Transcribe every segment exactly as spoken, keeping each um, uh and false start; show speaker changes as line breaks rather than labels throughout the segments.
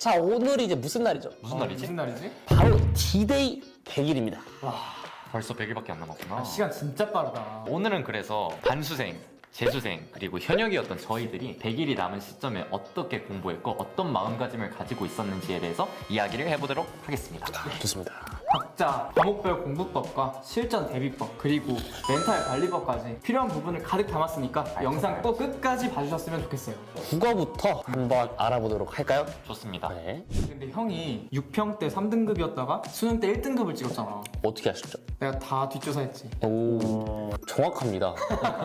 자, 오늘이 이제 무슨 날이죠?
무슨
어,
날이지?
무슨 날이지?
바로 디데이 백 일입니다.
와,
벌써 백 일밖에 안 남았구나.
아, 시간 진짜 빠르다.
오늘은 그래서 반수생, 재수생, 그리고 현역이었던 저희들이 백 일이 남은 시점에 어떻게 공부했고 어떤 마음가짐을 가지고 있었는지에 대해서 이야기를 해보도록 하겠습니다.
좋습니다.
각자 과목별 공부법과 실전 대비법 그리고 멘탈 관리법까지 필요한 부분을 가득 담았으니까 영상 꼭 끝까지 봐주셨으면 좋겠어요.
국어부터 한번 알아보도록 할까요?
좋습니다.
네.
근데 형이 육 평 때 삼 등급이었다가 수능 때 일 등급을 찍었잖아.
어떻게 하셨죠?
내가 다 뒷조사했지.
오, 정확합니다.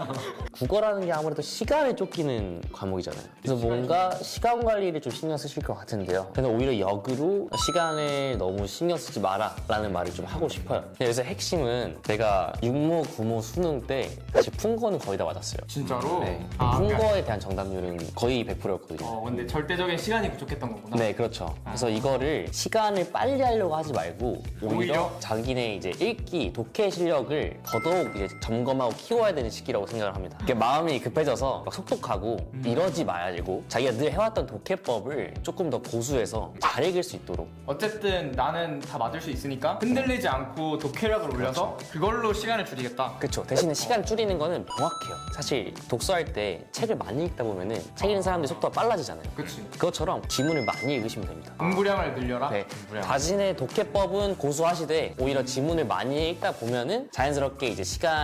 국어라는 게 아무래도 시간에 쫓기는 과목이잖아요. 그래서 뭔가 시간 관리를 좀 신경 쓰실 것 같은데요. 근데 오히려 역으로 시간에 너무 신경 쓰지 마라 라는 말을 좀 하고 싶어요. 근데 여기서 핵심은 내가 육모, 구모, 수능 때 사실 푼 거는 거의 다 맞았어요.
진짜로?
네.
아,
푼
그러니까-
거에 대한 정답률은 거의 백 퍼센트였거든요.
어, 근데 절대적인 시간이 부족했던 거구나.
네, 그렇죠. 그래서 이거를 시간을 빨리 하려고 하지 말고 오히려,
오히려?
자기네 이제 읽기, 독해 실력을 더더욱 이제 점검하고 키워야 되는 시기라고 생각을 합니다. 이게 마음이 급해져서 막 속독하고
음.
이러지 말고 자기가 늘 해왔던 독해법을 조금 더 고수해서 잘 읽을 수 있도록.
어쨌든 나는 다 맞을 수 있으니까 흔들리지 않고 독해력을 올려서 그걸로 시간을 줄이겠다.
그렇죠. 대신에 시간 줄이는 거는 명확해요. 사실 독서할 때 책을 많이 읽다 보면은 책 읽는 사람들이 속도가 빨라지잖아요.
그치.
그것처럼 지문을 많이 읽으시면 됩니다.
공부량을 늘려라?
네,
공부량.
자신의 독해법은 고수하시되 오히려 지문을 많이 읽다 보면은 자연스럽게 이제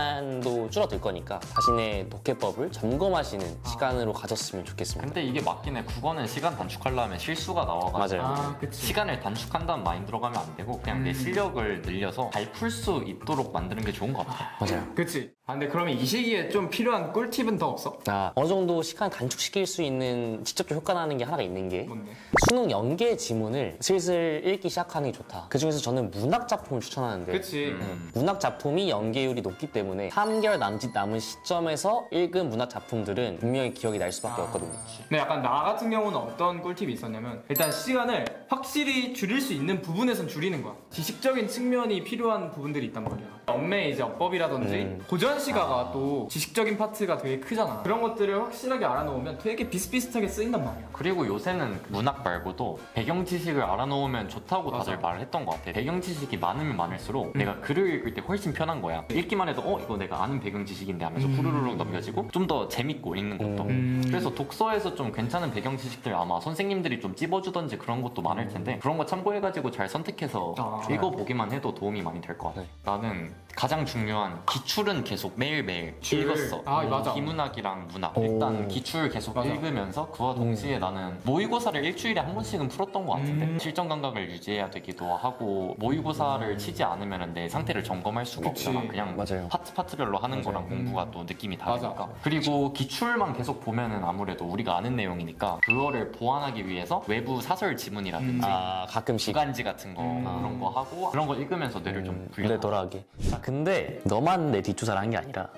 시간도 줄어들 거니까 자신의 독해법을 점검하시는 시간으로 가졌으면 좋겠습니다.
근데 이게 맞긴 해. 국어는 시간 단축하려면 실수가 나와가지고
맞아요.
아, 그치.
시간을 단축한다는 마인드로 가면 안 되고 그냥 내
음.
실력을 늘려서 잘 풀 수 있도록 만드는 게 좋은 것 같아.
맞아요.
그치. 아, 근데 그러면 이 시기에 좀 필요한 꿀팁은 더 없어?
아, 어느 정도 시간 단축시킬 수 있는 직접적 효과 나는 게 하나가 있는 게
뭔데?
수능 연계 지문을 슬슬 읽기 시작하는 게 좋다. 그 중에서 저는 문학 작품을 추천하는데
그치.
음.
문학 작품이 연계율이 높기 때문에 삼 개월 남짓 남은 시점에서 읽은 문학 작품들은 분명히 기억이 날 수밖에 없거든요.
근데 약간 나 같은 경우는 어떤 꿀팁이 있었냐면 일단 시간을 확실히 줄일 수 있는 부분에선 줄이는 거야. 지식적인 측면이 필요한 부분들이 있단 말이야. 엄매 이제 어법이라든지
음.
고전 시가가 또 지식적인 파트가 되게 크잖아. 그런 것들을 확실하게 알아놓으면 되게 비슷비슷하게 쓰인단 말이야.
그리고 요새는 문학 말고도 배경 지식을 알아놓으면 좋다고 다들
맞아.
말을 했던 것 같아. 배경 지식이 많으면 많을수록 내가 글을 읽을 때 훨씬 편한 거야. 읽기만 해도 어 이거 내가 아는 배경 지식인데 하면서 후루룩 넘겨지고 좀 더 재밌고 읽는 것도.
음.
그래서 독서에서 좀 괜찮은 배경 지식들 아마 선생님들이 좀 찝어주던지 그런 것도 많을 텐데 그런 거 참고해가지고 잘 선택해서
아.
읽어보기만 해도 도움이 많이 될 것 같아. 나는 가장 중요한 기출은 계속 매일매일
기출.
읽었어.
아, 맞아.
비문학이랑 문학.
오.
일단 기출 계속
맞아.
읽으면서 그와 동시에 나는 모의고사를 일주일에 한 번씩은 풀었던 것 같은데
음.
실전 감각을 유지해야 되기도 하고 모의고사를 치지 않으면 내 상태를 점검할 수가
그치.
없잖아. 그냥
맞아요.
파트 파트별로 하는 거랑
음.
공부가 또 느낌이 다르니까.
맞아.
그리고 기출만 계속 보면은 아무래도 우리가 아는 내용이니까 그거를 보완하기 위해서 외부 사설 지문이라든지
음.
아, 가끔씩
주간지 같은 거
음.
그런 거 하고 그런 거 읽으면서 뇌를 좀 불려.
뇌돌아하게. 자, 근데 너만 내 뒷조사를 한 게 아니라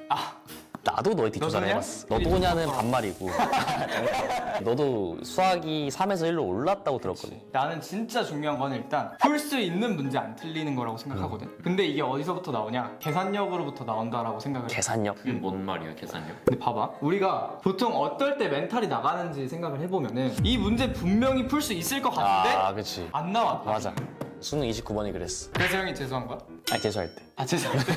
나도 너의 뒷조사를
너도냐?
해봤어. 너도냐는 반말이고 너도 수학이 삼에서 일로 올랐다고 들었거든.
나는 진짜 중요한 건 일단 풀 수 있는 문제 안 틀리는 거라고 생각하거든.
음.
근데 이게 어디서부터 나오냐? 계산력으로부터 나온다라고 생각을 해.
계산력.
그게 뭔 말이야 계산력?
근데 봐봐, 우리가 보통 어떨 때 멘탈이 나가는지 생각을 해보면은 이 문제 분명히 풀 수 있을 것 같은데
아, 그치.
안 나와.
맞아. 수능 이십구 번이 그랬어.
그래서 형이 죄송한 거야?
아니, 재수할 때.
아 죄송합니다.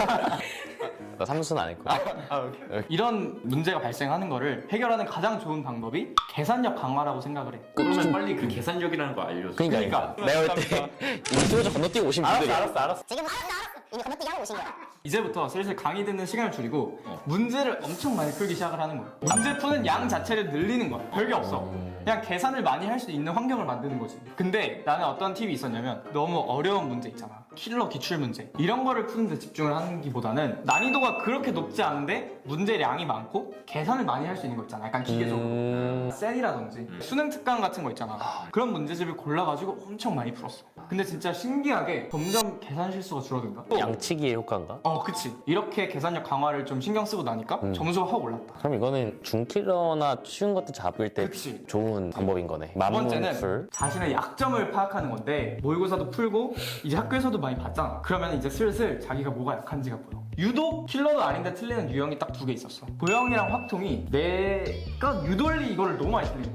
나 삼수는 안 했고.
아, 오케이. 이런 문제가 발생하는 거를 해결하는 가장 좋은 방법이 계산력 강화라고 생각을 해.
그러면 빨리 그 계산력이라는 거 알려줘.
그러니까,
그러니까.
내가 볼 때 인투어저 건너뛰고 오신 분들이
알았어, 알았어.
지금 알았어 알았어 이미 건너뛰기 하고 오신 거야.
이제부터 슬슬 강의 듣는 시간을 줄이고 문제를 엄청 많이 풀기 시작을 하는 거야. 문제 푸는 양 자체를 늘리는 거야. 별게 없어. 그냥 계산을 많이 할 수 있는 환경을 만드는 거지. 근데 나는 어떤 팁이 있었냐면 너무 어려운 문제 있잖아. 킬러 기출 문제. 이런 거를 푸는데 집중을 하는 기보다는 난이도가 그렇게 높지 않은데 문제량이 많고 계산을 많이 할 수 있는 거 있잖아. 약간 기계적으로.
음...
셀이라든지 수능 특강 같은 거 있잖아. 그런 문제집을 골라가지고 엄청 많이 풀었어. 근데 진짜 신기하게 점점 계산 실수가 줄어든다.
양치기의 효과인가?
어, 그치. 이렇게 계산력 강화를 좀 신경 쓰고 나니까
음.
점수가 확 올랐다.
그럼 이거는 중킬러나 쉬운 것들 잡을 때
그치.
좋은 방법인 거네.
두 번째는
만문풀.
자신의 약점을 파악하는 건데 모의고사도 풀고 이제 학교에서도 많이 봤잖아. 그러면 이제 슬슬 자기가 뭐가 약한지가 보여. 유독 킬러도 아닌데 틀리는 유형이 딱 두 개 있었어. 도형이랑 확통이 내가 유돌리 이거를 너무 많이 틀린 거야.
오.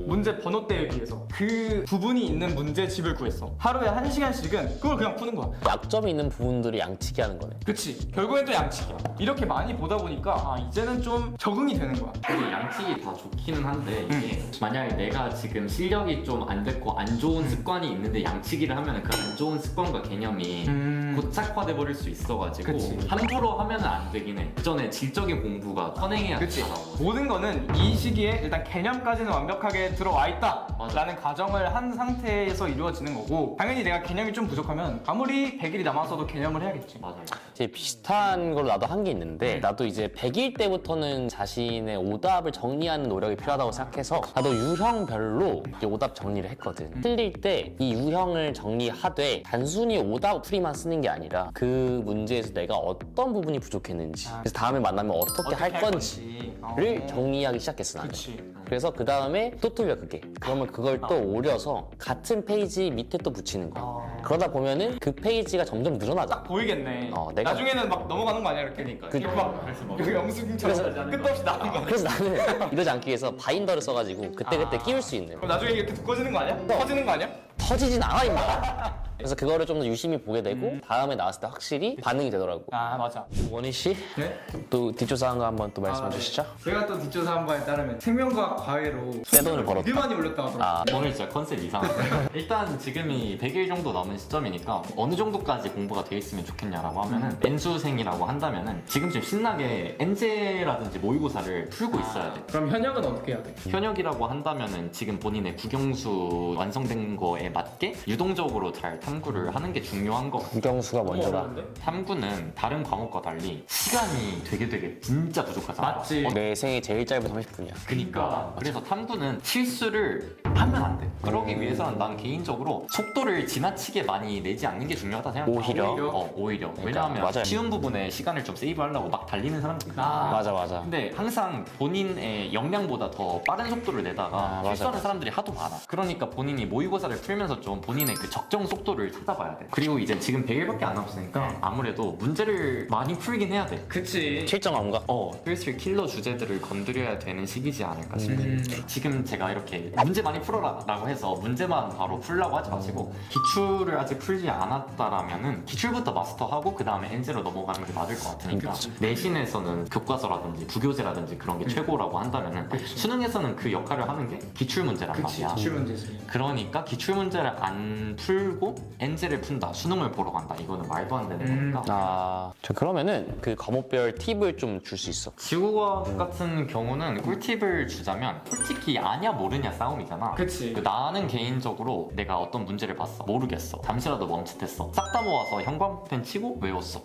문제 번호대에 비해서 그 부분이 있는 문제집을 구했어. 하루에 한 시간씩은 그걸 그냥 푸는 거야.
약점이 있는 부분들을 양치기 하는 거네.
그치. 결국엔 또 양치기야. 이렇게 많이 보다 보니까 아 이제는 좀 적응이 되는 거야.
근데 양측이 다 좋기는 한데 이게 만약에 내가 지금 실력이 좀 안 됐고 안 좋은 습관이 있는데 양치기를 하면 그 안 좋은 습관과 개념이
음.
고착화돼 버릴 수 있어가지고
그치.
함부로 하면 안 되긴 해. 그 전에 질적인 공부가 선행해야
그치.
되잖아.
모든 거는 이 시기에 일단 개념까지는 완벽하게 들어와 있다
맞아.
라는 가정을 한 상태에서 이루어지는 거고 당연히 내가 개념이 좀 부족하면 아무리 백 일이 남았어도 개념을 해야겠지.
맞아요.
이제 비슷한 걸로 나도 한 게 있는데 나도 이제 백 일 때부터는 자신의 오답을 정리하는 노력이 필요하다고 생각해서 나도 유형별로 이제 오답 정리를 했거든. 틀릴 때 이 유형을 정리하되 단순히 오답 풀이만 쓰는 게 아니라 그 문제에서 내가 어떤 부분이 부족했는지 그래서 다음에 만나면 어떻게, 할 건지를
어.
정리하기 시작했어 나는.
그치.
그래서 그 다음에 또 틀려 그게. 그러면 그걸 또 오려서 같은 페이지 밑에 또 붙이는 거야.
어.
그러다 보면은 그 페이지가 점점 늘어나잖아.
보이겠네.
어, 내가-
나중에는 막 넘어가는 거 아니야 이렇게?
그러니까.
이렇게 막 여기 영수증처럼 끝도 없이 나오는 거.
그래서 나는 이러지 않기 위해서 바인더를 써가지고 그때그때 끼울 수 있는
그럼 나중에 이렇게 두꺼워지는 거 아니야? 터지는 거 아니야?
터지진 않아 임마. 그래서 그거를 좀 더 유심히 보게 되고 다음에 나왔을 때 확실히 반응이 되더라고.
아 맞아.
원희 씨,
네?
또 뒷조사한 거 한번 또 말씀해
아, 네.
주시죠.
제가 또 뒷조사 한 바에 따르면 생명과학 과외로
떼돈을 벌었다.
되게 많이 올렸다고 하더라고요.
아,
오늘 진짜 컨셉 이상한데 일단 지금이 백 일 정도 남은 시점이니까 어느 정도까지 공부가 돼 있으면 좋겠냐라고 하면은 N수생이라고 한다면은 지금쯤 신나게 엔제라든지 모의고사를 풀고 있어야 돼.
그럼 현역은 어떻게 해야 돼?
현역이라고 한다면은 지금 본인의 국영수 완성된 거에 맞게 유동적으로 잘 탐구를 하는 게 중요한 거.
국영수가 먼저다.
어려운데?
탐구는 다른 과목과 달리 시간이 되게 되게 진짜 부족하잖아.
맞지.
어,
내 생애 제일 짧은 삼십 분이야.
그니까 그래서 탐구는 실수를 하면 안 돼. 그러기 위해서는 난 개인적으로 속도를 지나치게 많이 내지 않는 게 중요하다 생각해.
오히려?
어 오히려.
그러니까,
왜냐하면
맞아요.
쉬운 부분에 시간을 좀 세이브하려고 막 달리는 사람들이 있어.
아.
맞아 맞아.
근데 항상 본인의 역량보다 더 빠른 속도를 내다가
아, 맞아,
실수하는
맞아.
사람들이 하도 많아. 그러니까 본인이 모의고사를 풀면서 좀 본인의 그 적정 속도를 찾아봐야 돼. 그리고 이제 지금 백 일밖에 안 남았으니까 아무래도 문제를 많이 풀긴 해야 돼.
그치.
실전 감각.
어, 슬슬 킬러 주제들을 건드려야 되는 시기지 않을까 싶네.
음.
지금 제가 이렇게 문제 많이 풀어라 라고 해서 문제만 바로 풀라고 하지 마시고 기출을 아직 풀지 않았다라면은 기출부터 마스터하고 그 다음에 엔제로 넘어가는 게 맞을 것 같으니까
그치.
내신에서는 교과서라든지 부교재라든지 그런 게 최고라고 한다면은 수능에서는 그 역할을 하는 게 기출 문제란
그치.
말이야.
기출 문제지.
그러니까 기출 문제를 안 풀고 엔제를 푼다, 수능을 보러 간다. 이거는 말도 안 되는
음.
거니까.
아, 저 그러면은 그 과목별 팁을 좀 줄 수 있어.
지구과학 같은 경우는 꿀팁을 주자면 솔직히 아냐 모르냐 싸움이잖아.
그치.
그 나는 개인적으로 내가 어떤 문제를 봤어. 모르겠어. 잠시라도 멈칫했어. 싹 다 모아서 형광펜 치고 외웠어.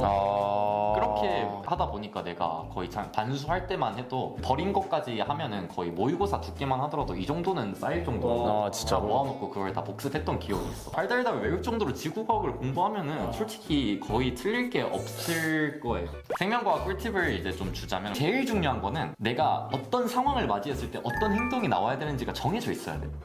어.
아,
그렇게 하다 보니까 내가 거의 참 반수할 때만 해도 버린 것까지 하면은 거의 모의고사 두께만 하더라도 이 정도는 쌓일 정도로
아, 진짜로?
다 모아놓고 그걸 다 복습했던 기억이 있어. 달달달 외울 정도로 지구과학을 공부하면은 솔직히 거의 틀릴 게 없을 거예요. 생명과학 꿀팁을 이제 좀 주자면 제일 중요한 거는 내가 어떤 상황을 맞이했을 때 어떤 행동이 나와야 되는지가 정해져 있어야 돼.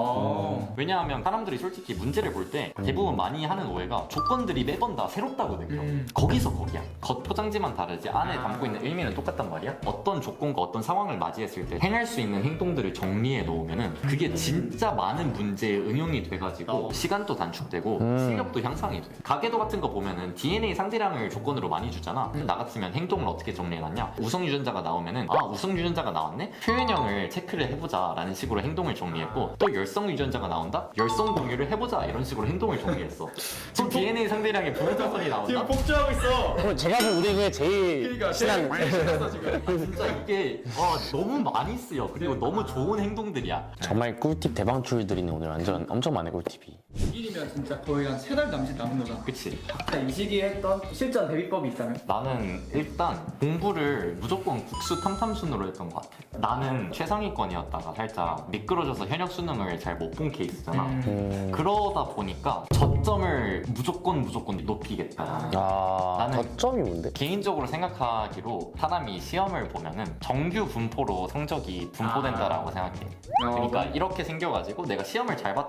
어.
왜냐하면 사람들이 솔직히 문제를 볼 때 대부분 많이 하는 오해가 조건들이 매번 다 새롭다고 느껴.
음.
거기서 거기야. 겉 포장지만 다르지 안에
아.
담고 있는 의미는 똑같단 말이야. 어떤 조건과 어떤 상황을 맞이했을 때 행할 수 있는 행동들을 정리해 놓으면은 그게 진짜 많은 문제에 응용이 돼가지고
어.
시간도 단축되고
음.
실력도 향상이 돼. 가계도 같은 거 보면은 디엔에이 상대량을 조건으로 많이 주잖아.
음.
나 같으면 행동을 어떻게 정리해놨냐? 우성 유전자가 나오면은 아 우성 유전자가 나왔네? 표현형을 체크를 해보자라는 식으로 행동을 정리했고 또 열성 유전자가 나온다? 열성 공유를 해보자 이런 식으로 행동을 정리했어. 또 디엔에이 상대량의 부분자선이 나온다?
복주하고 있어.
그럼 제가 볼 우리 중에 제일
그러니까
친한
제일 신났어 지금.
진짜 이게 아, 너무 많이 쓰여. 그리고 너무 좋은 행동들이야.
정말 꿀팁 대방출들이네 오늘 완전 엄청 많네 꿀팁이.
일이면 진짜 거의 한 세 달 남짓 남은 거잖아.
그치?
각자 이 시기에 했던 실전 대비법이 있다면?
나는 일단 공부를 무조건 국수 탐탐순으로 했던 것 같아. 나는 최상위권이었다가 살짝 미끄러져서 현역 수능을 잘 못 본 케이스잖아.
음.
음.
그러다 보니까 저점을 무조건 무조건 높이겠다.
아,
나는-
저점이 뭔데?
개인적으로 생각하기로 사람이 시험을 보면은 정규 분포로 성적이 분포된다라고 생각해. 그러니까
어,
이렇게 생겨가지고 내가 시험을 잘 봤다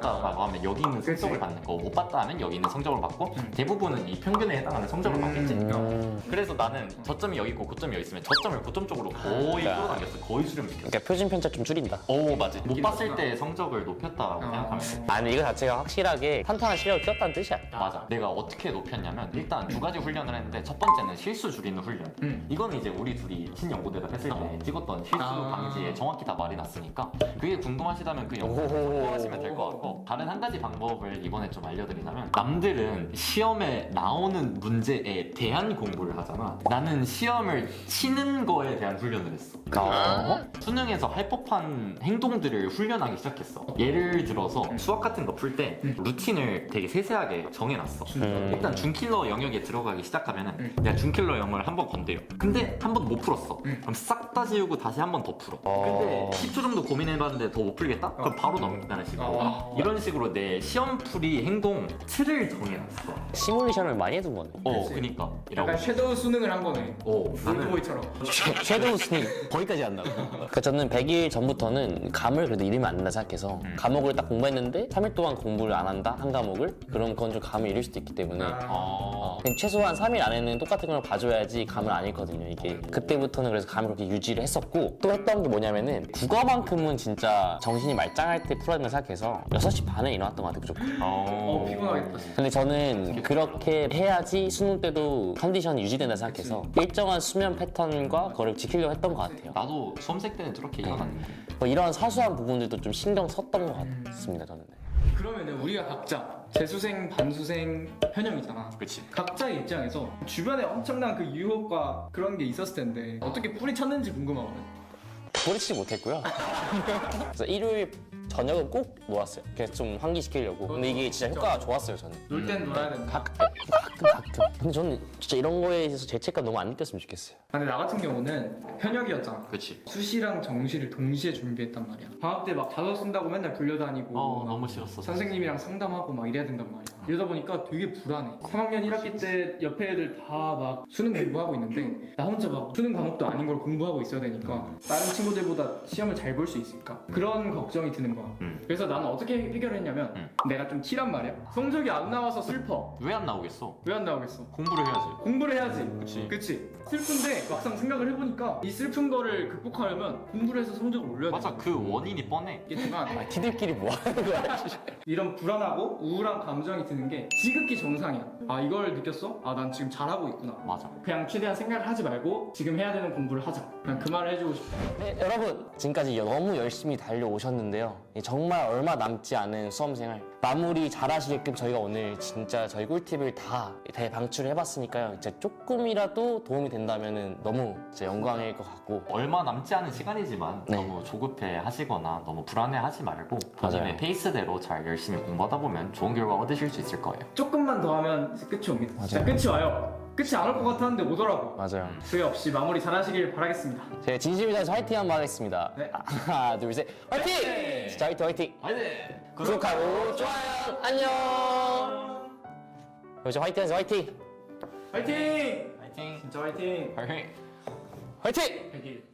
봤다라고 하면 여기 있는 성적을 받는 거, 못 봤다 하면 여기 있는 성적을 받고 대부분은 이 평균에 해당하는 성적을 받겠지.
음.
그래서 나는 저점이 여기 있고 고점이 여기 있으면 저점을 고점 쪽으로 거의
아.
끌어당겼어. 거의 수렴시켰어.
그러니까 표준 편차 좀 줄인다.
오 맞아. 못 봤을 때 성적을 높였다라고 생각하면 돼.
아니 이거 자체가 확실하게 탄탄한 실력을 키웠다는 뜻이야.
맞아. 내가 어떻게 높였냐면 일단 두 가지 훈련을 했는데 첫 번째는 실수 줄이는 훈련.
음.
이거는 이제 우리 둘이 신연고대답 했을 때 찍었던 실수
아.
방지에 정확히 다 말이 났으니까 그게 궁금하시다면 그 영상
오호호.
참고하시면 될 것 같고 다른 한 가지 방법을 이번에 좀 알려드리자면 남들은 시험에 나오는 문제에 대한 공부를 하잖아. 나는 시험을 치는 거에 대한 훈련을 했어.
어?
수능에서 할 법한 행동들을 훈련하기 시작했어. 예를 들어서 수학 같은 거 풀 때 루틴을 되게 세세하게 정해놨어.
음.
일단 준킬러 영역에 들어가기 시작하면은 내가 준킬러 영역을 한 번 건드려. 근데 한 번 못 풀었어. 그럼 싹 다 지우고 다시 한 번 더 풀어.
어.
근데 십 초 정도 고민해봤는데 더 못 풀겠다? 그럼 바로 넘긴다는 식으로.
어.
이런 식으로 내 시험풀이 행동 틀을 정해놨어.
시뮬레이션을 많이 해둔 거네.
어, 그니까. 이라고.
약간 섀도우 수능을 한 거네.
어, 나는
올드보이처럼.
섀도우 스님 거기까지 한다고. 그러니까 저는 백 일 전부터는 감을 그래도 잃으면 안 된다 생각해서 과목을 딱 공부했는데 삼 일 동안 공부를 안 한다 한 과목을 그럼 그건 좀 감을 잃을 수도 있기 때문에
어.
그냥 최소한 삼 일 안에는 똑같은 걸 봐줘야지 감을 안 잃거든요 이게. 그때부터는 그래서 감을 그렇게 유지를 했었고 또 했던 게 뭐냐면은 국어만큼은 진짜 정신이 말짱할 때 풀어야 된다 생각해서 여섯 시 반에 일어났던 것 같아요 무조건.
어, 피곤하겠다.
근데 저는 그렇게 해야지 수능 때도 컨디션이 유지된다 생각해서 일정한 수면 패턴과 그걸 지키려고 했던 것 같아요.
나도 수험생 때는 저렇게 일어났는데.
뭐 이런 사소한 부분들도 좀 신경 썼던 것 같습니다 저는.
그러면은 우리가 각자 재수생, 반수생, 현역이잖아.
그치.
각자의 입장에서 주변에 엄청난 그 유혹과 그런 게 있었을 텐데 어떻게 뿌리쳤는지 궁금하거든.
뿌리치지 못했고요. 그래서 일요일 저녁은 꼭 놀았어요. 그래서 좀 환기시키려고. 근데 이게 진짜 효과가 좋았어요 저는.
놀 땐 놀아야 된다.
가끔 가끔 가끔. 근데 저는 진짜 이런 거에 있어서 죄책감 너무 안 느꼈으면 좋겠어요.
근데 나 같은 경우는 현역이었잖아.
그치.
수시랑 정시를 동시에 준비했단 말이야. 방학 때 막 자소 쓴다고 맨날 불려다니고
어,
막
너무 싫었어.
선생님이랑 상담하고 막 이래야 된단 말이야. 이러다 보니까 되게 불안해. 삼 학년 일 학기 때 옆에 애들 다 막 수능 공부하고 있는데 나 혼자 막 수능 과목도 아닌 걸 공부하고 있어야 되니까 다른 친구들보다 시험을 잘 볼 수 있을까? 그런 걱정이 드는 거야.
음.
그래서 나는 어떻게 해결했냐면
음.
내가 좀 티란 말이야. 성적이 안 나와서 슬퍼.
왜 안 나오겠어?
왜 안 나오겠어?
공부를 해야지.
공부를 해야지.
그치.
그치. 슬픈데 막상 생각을 해보니까 이 슬픈 거를 극복하려면 공부를 해서 성적을 올려야 돼.
맞아, 그 원인이 뻔해.
있겠지만
아, 티들끼리 뭐 하는 거야?
이런 불안하고 우울한 감정이 드는 게 지극히 정상이야. 아 이걸 느꼈어? 아 난 지금 잘하고 있구나.
맞아.
그냥 최대한 생각을 하지 말고 지금 해야 되는 공부를 하자. 그냥 그 말을 해주고 싶어.
네, 여러분 지금까지 너무 열심히 달려오셨는데요. 정말 얼마 남지 않은 수험생활 마무리 잘하시게끔 저희가 오늘 진짜 저희 꿀팁을 다 대방출을 해봤으니까요. 진짜 조금이라도 도움이 된다면 너무 진짜 영광일 것 같고.
얼마 남지 않은 시간이지만
네.
너무 조급해 하시거나 너무 불안해 하지 말고 본인의
맞아요.
페이스대로 잘 열심히 공부하다 보면 좋은 결과 얻으실 수 있을 거예요.
조금만 더 하면 끝이 옵니다. 진짜
맞아요.
끝이 와요. 끝이 안 올 것 같았는데 오더라고.
맞아요.
후회 없이 마무리 잘하시길 바라겠습니다.
제가 진심이 다해서 화이팅 한번 하겠습니다.
네.
하나 둘 셋 화이팅! 진짜 화이팅 화이팅!
화이팅!
구독하고 좋아요 안녕! 여기서 화이팅 하세요 화이팅!
화이팅!
화이팅!
진짜 화이팅!
화이팅!
화이팅!
백일.